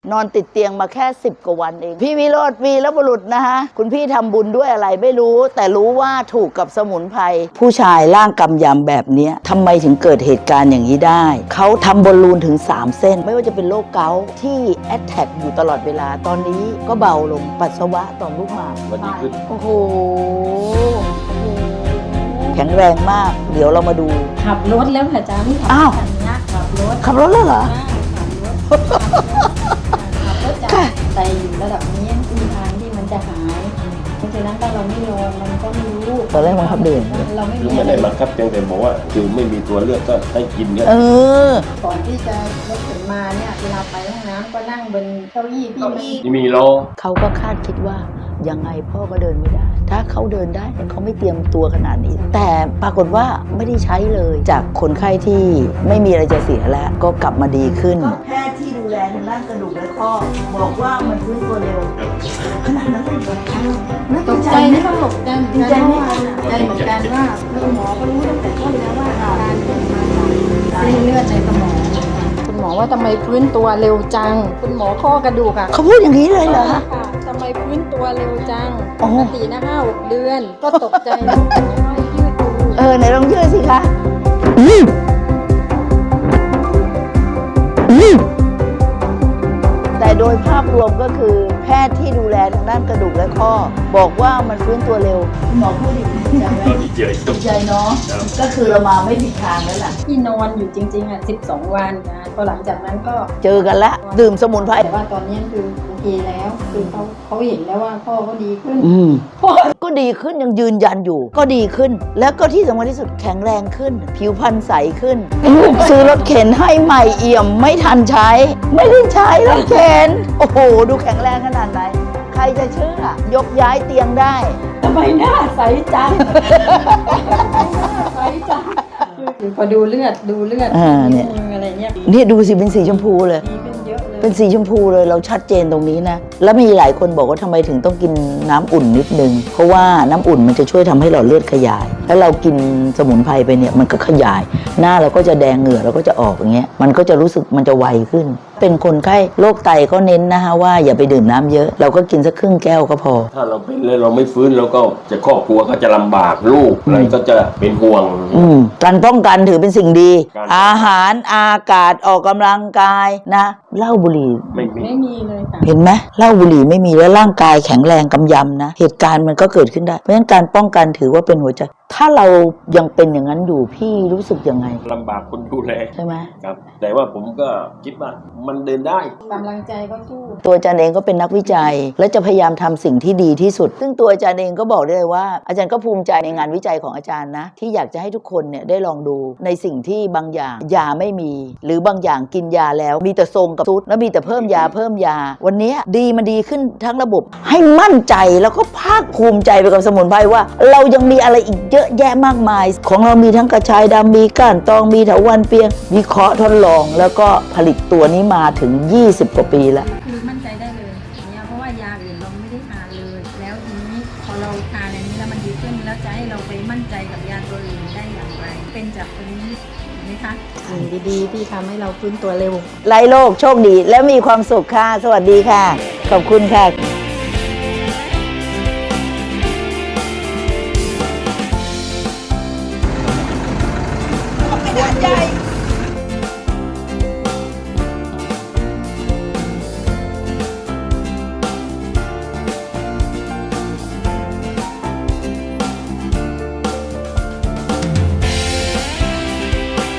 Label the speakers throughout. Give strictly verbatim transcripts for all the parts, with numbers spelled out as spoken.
Speaker 1: นอนติดเตียงมาแค่สิบกว่าวันเองพี่วิโรจน์วีรบุรุษนะฮะคุณพี่ทำบุญด้วยอะไรไม่รู้แต่รู้ว่าถูกกับสมุนไพรผู้ชายร่างกำยำแบบนี้ทำไมถึงเกิดเหตุการณ์อย่างนี้ได้เขาทำบอลลูนถึงสามเส้นไม่ว่าจะเป็นโรคเกาต์ที่แอดแท็กอยู่ตลอดเวลาตอนนี้ก็เบาลงปัสสาวะต่อมลูกหมาก
Speaker 2: วันนี้ขึ้น
Speaker 1: โอ้โหแข็งแรงมากเดี๋ยวเรามาดู
Speaker 3: ขับรถแล้วค่ะจ้าไม่ขับ
Speaker 1: อ้าว
Speaker 3: ขับรถ
Speaker 1: ขับรถแล้วเหรอ
Speaker 3: ขับรถขับรถจากใจอยู่ระดับนี้มีทางที่มันจะหายเพราะฉะนั้นถ้าเราไม่ลองมันก็ไม่รู้
Speaker 1: ตอนแรกมันขับเดิน
Speaker 3: เราไม่
Speaker 2: คือไม่ได้บังคับเพียงแต่บอกว่าคือไม่มีตัวเลือกก็ให้กินเนี่ย
Speaker 1: เออ
Speaker 3: ก่อนที่จะรถถึงมาเนี่ยเวลาไปห้องน้ำก็นั่งบนเก้าอี้ที่
Speaker 2: ที่มีโล
Speaker 1: เขาก็คาดคิดว่ายังไงพ่อก็เดินไม่ได้ถ้าเขาเดินได้เขาไม่เตรียมตัวขนาดนี้แต่ปรากฏว่าไม่ได้ใช้เลยจากคนไข้ที่ไม่มีอะไรจะเสียแล้วก็กลับมาดีขึ้นแพทย์ที่ดูแลทางด้านกระดูกและข้อบอกว่ามันฟื้นตัวเร็วขนาดนั้นเลย
Speaker 3: ตกใจนะตกใจดีใจไหมใจเหมือนกันว่าคุณหมอก็รู้ตั้งแต่ต้นแล้วว่าการเกิดมาจากเส้นเลือดในสมองคุณหมอว่าทำไมฟื้นตัวเร็วจังคุณหมอข้อกระดูกอะ
Speaker 1: เขาพูดอย่างนี้เลยเหรอ
Speaker 3: ทำไมฟื้นตัวเร็วจังปกตินะห้าหกเดือนก็ตกใจแล้วยืดดู
Speaker 1: เออไหนลองยืดสิคะแต่โดยภาพรวมก็คือแพทย์ที่ดูแลทางด้านกระดูกและข้อบอกว่ามันฟื้นตัวเร็วหมอพูดดีใจไหม
Speaker 2: ดีใจ
Speaker 1: ดีใจเนาะก็คือเรามาไม่ผิดทางแล้วล่ะ
Speaker 3: ที่นอนอยู่จริงๆอ่ะสิบสองวันนะพอหลังจากนั้นก็
Speaker 1: เจอกันละดื่มสมุนไพร
Speaker 3: แต่ว่าตอนนี้คือโอเคแล้วคือเขาเขาเห็นแล้วว่าพ่อก็ดีขึ้น
Speaker 1: อืมพ่อก็ดีขึ้นยังยืนยันอยู่ก็ดีขึ้นแล้วก็ที่สำคัญที่สุดแข็งแรงขึ้นผิวพรรณใสขึ้นลูกซื้อรถเข็นให้ใหม่เอี่ยมไม่ทันใช้ไม่ได้ใช้รถเข็นโอ้โหดูแข็งแรงขนาดไหนใครจะเชื่อยกย้ายเตียงได้
Speaker 3: ทำไมหน้าใสจังหน้าใสจังพอดูเลือดดูเลือดอะไรเงี้ย
Speaker 1: นี่ดูสิเป็นสีชมพูเลยเป็นสีชมพูเลยเราชัดเจนตรงนี้นะแล้วมีหลายคนบอกว่าทำไมถึงต้องกินน้ำอุ่นนิดนึงเพราะว่าน้ำอุ่นมันจะช่วยทำให้หลอดเลือดขยายแล้วเรากินสมุนไพรไปเนี่ยมันก็ขยายหน้าเราก็จะแดงเหงื่อเราก็จะออกอย่างเงี้ยมันก็จะรู้สึกมันจะไวขึ้นเป็นคนไข้โรคไตก็เน้นนะฮะว่าอย่าไปดื่มน้ำเยอะเราก็กินสักครึ่งแก้วก็พอ
Speaker 2: ถ้าเราเป็นแล้วเราไม่ฟื้นแล้วก็จะครอบครัวก็จะลำบากลูกอะไรก็จะเป็นห่วง
Speaker 1: การป้องกันถือเป็นสิ่งดีอาหารอากาศออกกำลังกายนะเหล้าบุหรี่
Speaker 2: ไม่มี
Speaker 3: ไม่มีเลยค่ะ
Speaker 1: เห็นไหมเหล้าบุหรี่ไม่มีแล้วร่างกายแข็งแรงกำยำนะเหตุการณ์มันก็เกิดขึ้นได้เพราะฉะนั้นการป้องกันถือว่าเป็นหัวใจถ้าเรายังเป็นอย่างนั้นอยู่พี่รู้สึกยังไง
Speaker 2: ลำบากคนดูแล
Speaker 1: ใช่ไหม
Speaker 2: ครับแต่ว่าผมก็คิดว่ามันเดินได้
Speaker 3: กำลังใจก็สู้
Speaker 1: ตัวอาจารย์เองก็เป็นนักวิจัยและจะพยายามทำสิ่งที่ดีที่สุดซึ่งตัวอาจารย์เองก็บอกได้เลยว่าอาจารย์ก็ภูมิใจในงานวิจัยของอาจารย์นะที่อยากจะให้ทุกคนเนี่ยได้ลองดูในสิ่งที่บางอย่างยาไม่มีหรือบางอย่างกินยาแล้วมีแต่ทรงกับซุดแล้วมีแต่เพิ่มยาเพิ่มยาวันนี้ดีมันดีขึ้นทั้งระบบให้มั่นใจแล้วก็ภาคภูมิใจไปกับสมุนไพรว่าเรายังมีอะไรอีกเยอะแยะมากมายของเรามีทั้งกระชายดำมีก้านตองมีเถาวัลย์เปียงวิเคราะห์ทดลองแล้วก็ผลิตตัวนี้มาถึงยี่สิบกว่าปีแล้ว
Speaker 3: คือมั่นใจได้เลยเนี่ยเพราะว่ายาอื่นเราไม่ได้ทานเลยแล้วทีนี้พอเราทานอันนี้แล้วมันดีขึ้นแล้วจะให้เราไปมั่นใจกับยาตัวอื่นได้อย่างไรเป็นจากตัวนี้ไหมคะสิ่งดีๆที่ทำให้เราฟื้นตัวเร็ว
Speaker 1: ไร้โรคโชคดีและมีความสุขค่ะสวัสดีค่ะขอบคุณค่ะ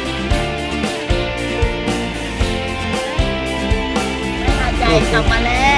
Speaker 1: กลับมาแล้ว